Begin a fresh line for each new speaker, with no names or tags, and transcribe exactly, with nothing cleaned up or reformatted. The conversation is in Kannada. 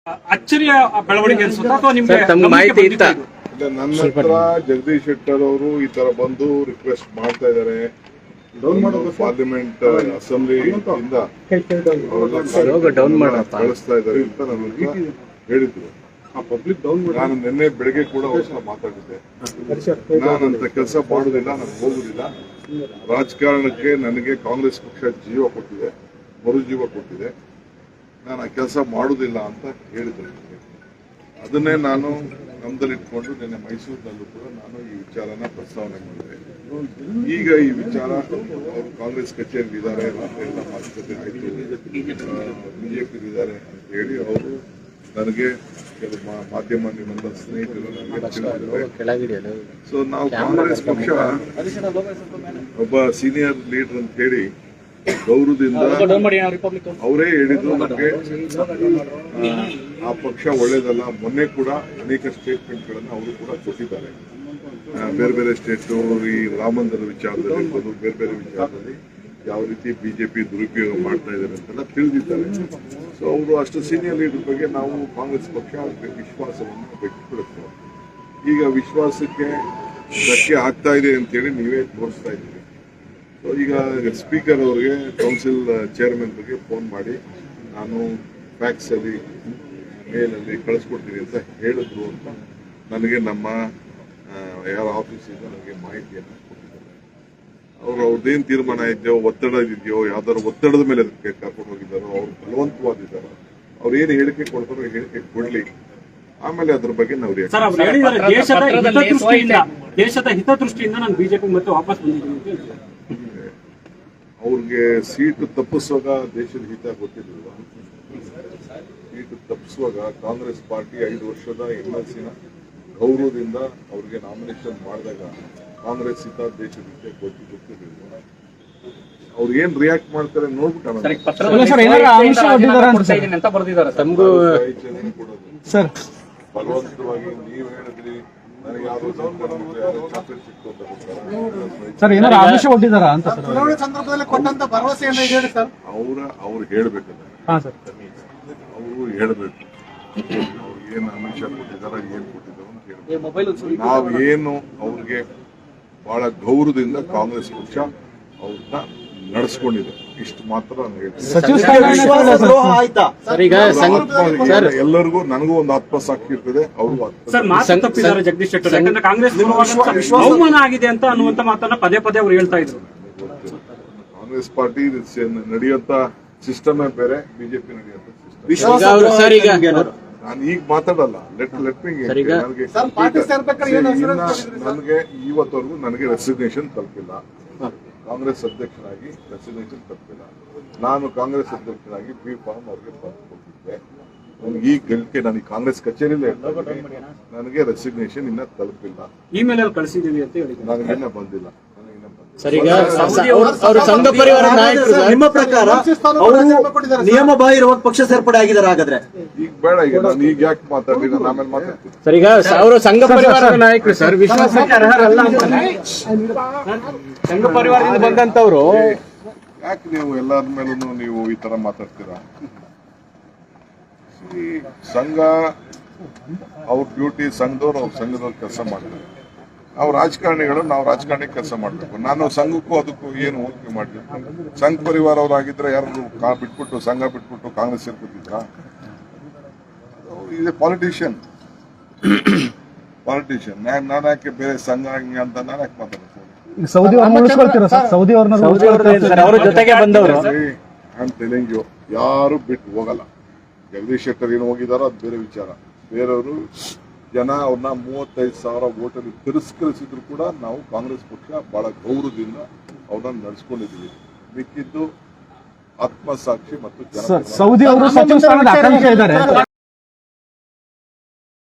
ಅಚ್ಚರಿಯ ಬೆಳವಣಿಗೆ ಅನ್ಸುತ್ತಾ ಅಥವಾ ನಿಮ್ಗೆ
ಮಾಹಿತಿ ಇತ್ತ?
ನನ್ನ ಹತ್ರ ಜಗದೀಶ್ ಶೆಟ್ಟರ್ ಅವರು ಈ ತರ ಬಂದು ರಿಕ್ವೆಸ್ಟ್ ಮಾಡ್ತಾ ಇದಾರೆ. ಪಾರ್ಲಿಮೆಂಟ್ ಅಸೆಂಬ್ಲಿ ಇಂದ ಕಳಿಸ್ತಾ ಇದಾರೆ ಅಂತ ನನಗೆ ಹೇಳಿದ್ರು. ನಾನು ನಿನ್ನೆ ಬೆಳಗ್ಗೆ ಕೂಡ ಅವ್ರ ಮಾತಾಡಿದ್ದೆ. ನಾನಂತ ಕೆಲಸ ಮಾಡುದಿಲ್ಲ, ನಾನು ಹೋಗುದಿಲ್ಲ. ರಾಜಕಾರಣಕ್ಕೆ ನನಗೆ ಕಾಂಗ್ರೆಸ್ ಪಕ್ಷ ಜೀವ ಕೊಟ್ಟಿದೆ, ಮರುಜೀವ ಕೊಟ್ಟಿದೆ. ನಾನು ಆ ಕೆಲಸ ಮಾಡುದಿಲ್ಲ ಅಂತ ಹೇಳಿದ್ರು. ಅದನ್ನೇ ನಾನು ನಮ್ದಲ್ಲಿಟ್ಕೊಂಡು ನಿನ್ನೆ ಮೈಸೂರಿನಲ್ಲೂ ಕೂಡ ನಾನು ಈ ವಿಚಾರನ ಪ್ರಸ್ತಾವನೆ ಮಾಡಿದೆ. ಈಗ ಈ ವಿಚಾರ ಅವರು ಕಾಂಗ್ರೆಸ್ ಕಚೇರಿ ಇದ್ದಾರೆ, ಎಲ್ಲ ಮಾತುಕತೆ ಆಯ್ತು, ಬಿಜೆಪಿ ಇದ್ದಾರೆ ಅಂತ ಹೇಳಿ ಅವರು ನನಗೆ ಕೆಲವು ಮಾಧ್ಯಮ ನಿಮ್ಮೆಲ್ಲ ಸ್ನೇಹಿತರು ನನಗೆ. ಸೊ ನಾವು ಕಾಂಗ್ರೆಸ್ ಪಕ್ಷ ಒಬ್ಬ ಸೀನಿಯರ್ ಲೀಡರ್ ಅಂತ ಹೇಳಿ ಗೌರವದಿಂದ ಅವರೇ ಹೇಳಿದ್ರು ನಮಗೆ ಆ ಪಕ್ಷ ಒಳ್ಳೇದಲ್ಲ. ಮೊನ್ನೆ ಕೂಡ ಅನೇಕ ಸ್ಟೇಟ್ಮೆಂಟ್ ಗಳನ್ನ ಅವರು ಕೂಡ ಕೊಟ್ಟಿದ್ದಾರೆ. ಬೇರೆ ಬೇರೆ ಸ್ಟೇಟ್ ಈ ರಾಮ ಮಂದಿರ ವಿಚಾರದಲ್ಲಿ ಇರ್ಬೋದು, ಬೇರೆ ಬೇರೆ ವಿಚಾರದಲ್ಲಿ ಯಾವ ರೀತಿ ಬಿಜೆಪಿ ದುರುಪಯೋಗ ಮಾಡ್ತಾ ಇದ್ದಾರೆ ಅಂತೆಲ್ಲ ತಿಳಿದಿದ್ದಾರೆ. ಸೊ ಅವರು ಅಷ್ಟು ಸೀನಿಯರ್ ಲೀಡರ್ ಬಗ್ಗೆ ನಾವು ಕಾಂಗ್ರೆಸ್ ಪಕ್ಷ ವಿಶ್ವಾಸವನ್ನು ವ್ಯಕ್ತಪಡಿಸ್ತೇವೆ. ಈಗ ವಿಶ್ವಾಸಕ್ಕೆ ಧಕ್ಕೆ ಆಗ್ತಾ ಇದೆ ಅಂತೇಳಿ ನೀವೇ ತೋರಿಸ್ತಾ ಇದ್ದೀರಿ. ಸೊ ಈಗ ಸ್ಪೀಕರ್ ಅವರಿಗೆ ಕೌನ್ಸಿಲ್ ಚೇರ್ಮನ್ ಬಗ್ಗೆ ಫೋನ್ ಮಾಡಿ ನಾನು ಫ್ಯಾಕ್ಸ್ ಅಲ್ಲಿ ಮೇಲಲ್ಲಿ ಕಳಿಸ್ಕೊಡ್ತೀನಿ ಅಂತ ಹೇಳಿದ್ರು ಅಂತ ನನಗೆ ನಮ್ಮ ಯಾರ ಆಫೀಸಿಂದ ನನಗೆ ಮಾಹಿತಿಯನ್ನು ಕೊಟ್ಟಿದ್ದಾರೆ. ಅವರು ಅವ್ರದ್ದೇನು ತೀರ್ಮಾನ ಇದೆಯೋ, ಒತ್ತಡ ಇದೆಯೋ, ಯಾವ್ದಾದ್ರು ಒತ್ತಡದ ಮೇಲೆ ಅದಕ್ಕೆ ಕರ್ಕೊಂಡು ಹೋಗಿದ್ದಾರೋ, ಅವ್ರು ಬಲವಂತವಾದಿದ್ದಾರೋ, ಅವ್ರು ಏನು ಹೇಳಿಕೆ ಕೊಡ್ತಾರೋ ಹೇಳಿಕೆ ಕೊಡ್ಲಿ, ಆಮೇಲೆ ಅದ್ರ ಬಗ್ಗೆ ನಾವು
ದೇಶದ ಹಿತದೃಷ್ಟಿಯಿಂದ ನಾನು ಬಿಜೆಪಿ ಮತ್ತೆ ವಾಪಸ್ ಬಂದಿದ್ದೀನಿ.
ಅವ್ರಿಗೆ ಸೀಟು ತಪ್ಪಿಸುವಾಗ ದೇಶದ ಹಿತ ಗೊತ್ತಿರಲಿಲ್ಲ. ಸೀಟು ತಪ್ಪಿಸುವಾಗ ಕಾಂಗ್ರೆಸ್ ಪಾರ್ಟಿ ಐದು ವರ್ಷದ ಎಂ ಎಲ್ ಸಿನ ಗೌರವದಿಂದ ಅವ್ರಿಗೆ ನಾಮಿನೇಷನ್ ಮಾಡಿದಾಗ ಕಾಂಗ್ರೆಸ್ ಹಿತ ದೇಶದ ಹಿತ ಗೊತ್ತಿ ಗೊತ್ತಿರಲಿಲ್ಲ. ಅವ್ರು ಏನ್ ರಿಯಾಕ್ಟ್ ಮಾಡ್ತಾರೆ ನೋಡ್ಬಿಟ್ಟು ಬಲವಂತವಾಗಿ ನೀವ್ ಹೇಳಿದ್ರಿ ನನಗೆ ಯಾವ್ದು ಚಾಕ್ಲೇಟ್ ಸಿಕ್ತು ಅಂತ
ಸರ್, ಏನಾದ್ರು ಆಮಿಷ ಒಡ್ಡಿದಾರ ಅಂತ
ಸಂದರ್ಭದಲ್ಲಿ ಕೊಟ್ಟಂತ ಭರವಸೆ ಸರ್
ಅವ್ರ ಅವ್ರು ಹೇಳ್ಬೇಕಲ್ಲ, ಅವರು ಹೇಳ್ಬೇಕು ಅವ್ರಿಗೆ ಏನ್ ಆಮಿಷ ಕೊಟ್ಟಿದಾರ, ಏನ್ ಕೊಟ್ಟಿದಾರ ಅಂತ ಹೇಳ್ಬೇಕು. ನಾವೇನು ಅವ್ರಿಗೆ ಬಹಳ ಗೌರವದಿಂದ ಕಾಂಗ್ರೆಸ್ ಪಕ್ಷ ಅವ್ರನ್ನ ನಡೆಸ್ಕೊಂಡಿದೆ, ಇಷ್ಟು ಮಾತ್ರ ಎಲ್ಲರಿಗೂ ನನಗೂ ಒಂದು ಆತ್ಮಸಾಕ್ಷಿ ಇರ್ತದೆ. ಅವರು
ಜಗದೀಶ್ ಶೆಟ್ಟರ್ ಯಾಕಂದ್ರೆ ಕಾಂಗ್ರೆಸ್ ಅವಮಾನ ಆಗಿದೆ ಅಂತ ಅನ್ನುವಂತ ಮಾತನ್ನ ಪದೇ ಪದೇ ಅವ್ರು ಹೇಳ್ತಾ ಇದ್ರು.
ಕಾಂಗ್ರೆಸ್ ಪಾರ್ಟಿ ನಡೆಯುವಂತ ಸಿಸ್ಟಮೇ ಬೇರೆ, ಬಿಜೆಪಿ ನಡೆಯುವಂತ ಸಿಸ್ಟಮ್. ನಾನು ಈಗ ಮಾತಾಡಲ್ಲ, ಲೆಟ್ ಲೆಟ್ ಮಿ ನನಗೆ ಇವತ್ತವರೆಗೂ ನನಗೆ ರೆಸಿಗ್ನೇಷನ್ ತಲುಪಿಲ್ಲ. ಕಾಂಗ್ರೆಸ್ ಅಧ್ಯಕ್ಷರಾಗಿ ರೆಸಿಗ್ನೇಷನ್ ತಲುಪಿಲ್ಲ. ನಾನು ಕಾಂಗ್ರೆಸ್ ಅಧ್ಯಕ್ಷರಾಗಿ ಬಿ ಫಾರ್ಮ್ ಅವ್ರಿಗೆ ಕೊಟ್ಟಿದ್ದೆ. ನನಗೆ ಈ ಗಳಿಕೆ ನಾನು ಕಾಂಗ್ರೆಸ್ ಕಚೇರಿಯಲ್ಲೇ ನನಗೆ ರೆಸಿಗ್ನೇಷನ್ ಇನ್ನ ತಲುಪಿಲ್ಲ.
ಇಮೇಲ್ ಅಲ್ಲಿ ಕಳಿಸಿದೀವಿ ಅಂತ ಹೇಳಿ
ನನಗೆ ಇನ್ನ ಬಂದಿಲ್ಲ.
ಸಂಘ ಪರಿವಾರ ನಾಯಕರು ನಿಮ್ಮ ಪ್ರಕಾರ
ನಿಯಮ ಬಾಹಿರವಾಗಿ ಪಕ್ಷ ಸೇರ್ಪಡೆ ಆಗಿದ್ದಾರೆ. ಹಾಗಾದ್ರೆ
ಈಗ ಬೇಡ, ಈಗ ನಾನು ಈಗ ಯಾಕೆ ಮಾತಾಡಿ, ನಾನು ಆಮೇಲೆ ಮಾತಾಡ್ತೀನಿ.
ಸರ್, ಈಗ ಅವರು ಸಂಘ ಪರಿವಾರದ ನಾಯಕರು ಸರ್, ವಿಶ್ವಾಸಕ್ಕೆ ಅರ್ಹರಲ್ಲ ಅಂತಾನೆ ಸಂಘ ಪರಿವಾರದಿಂದ ಬಂದಂತವ್ರು
ಯಾಕೆ ನೀವು ಎಲ್ಲರ ಮೇಲೂ ನೀವು ಈ ತರ ಮಾತಾಡ್ತೀರಾ? ಈ ಸಂಘ ಅವ್ರ ಡ್ಯೂಟಿ, ಸಂಘದವ್ರು ಅವ್ರ ಸಂಘದವ್ರು ಕೆಲಸ ಮಾಡ್ತಾರೆ. ನಾವು ರಾಜಕಾರಣಿಗಳು, ನಾವು ರಾಜಕಾರಣಿ ಕೆಲಸ ಮಾಡಬೇಕು. ನಾನು ಸಂಘಕ್ಕೂ ಅದಕ್ಕೂ ಏನು ಹೋಲಿಕೆ ಮಾಡಿದ್ದೀನಿ? ಸಂಘ ಪರಿವಾರ ಅವರಾಗಿದ್ರೆ ಯಾರು ಕಾ ಬಿಟ್ಬಿಟ್ಟು ಸಂಘ ಬಿಟ್ಬಿಟ್ಟು ಕಾಂಗ್ರೆಸ್ ಸೇರ್ಕೊತಿದ್ರ? ಇದೆ ಪಾಲಿಟಿಷಿಯನ್ ಪಾಲಿಟಿಷಿಯನ್ ನಾನು ಯಾಕೆ ಬೇರೆ ಸಂಘ ಹಂಗೆ ಅಂತ ನಾನು ಯಾಕೆ ಮಾತಾಡ್ತೀನಿ?
ಸೌದಿ ಸೌದಿ ಅವ್ರ ಜೊತೆಗೆ ಬಂದವರು
ಯಾರು ಬಿಟ್ಟು ಹೋಗಲ್ಲ. ಜಗದೀಶ್ ಶೆಟ್ಟರ್ ಏನು ಹೋಗಿದಾರೋ ಅದು ಬೇರೆ ವಿಚಾರ. ಬೇರೆಯವರು ಜನ ಅವ್ರನ್ನ ಮೂವತ್ತೈದು ಸಾವಿರ ಓಟಲ್ಲಿ ತಿರಸ್ಕರಿಸಿದ್ರು ಕೂಡ ನಾವು ಕಾಂಗ್ರೆಸ್ ಪಕ್ಷ ಬಹಳ ಗೌರವದಿಂದ ಅವ್ರನ್ನ ನಡೆಸ್ಕೊಂಡಿದ್ದೀವಿ. ಮಿಕ್ಕಿದ್ದು ಆತ್ಮಸಾಕ್ಷಿ ಮತ್ತು
ಸೌದಿ ಅವರು ಸಚಿವ ಸ್ಥಾನದ ಆಕಾಂಕ್ಷೆ ಇದ್ದಾರೆ.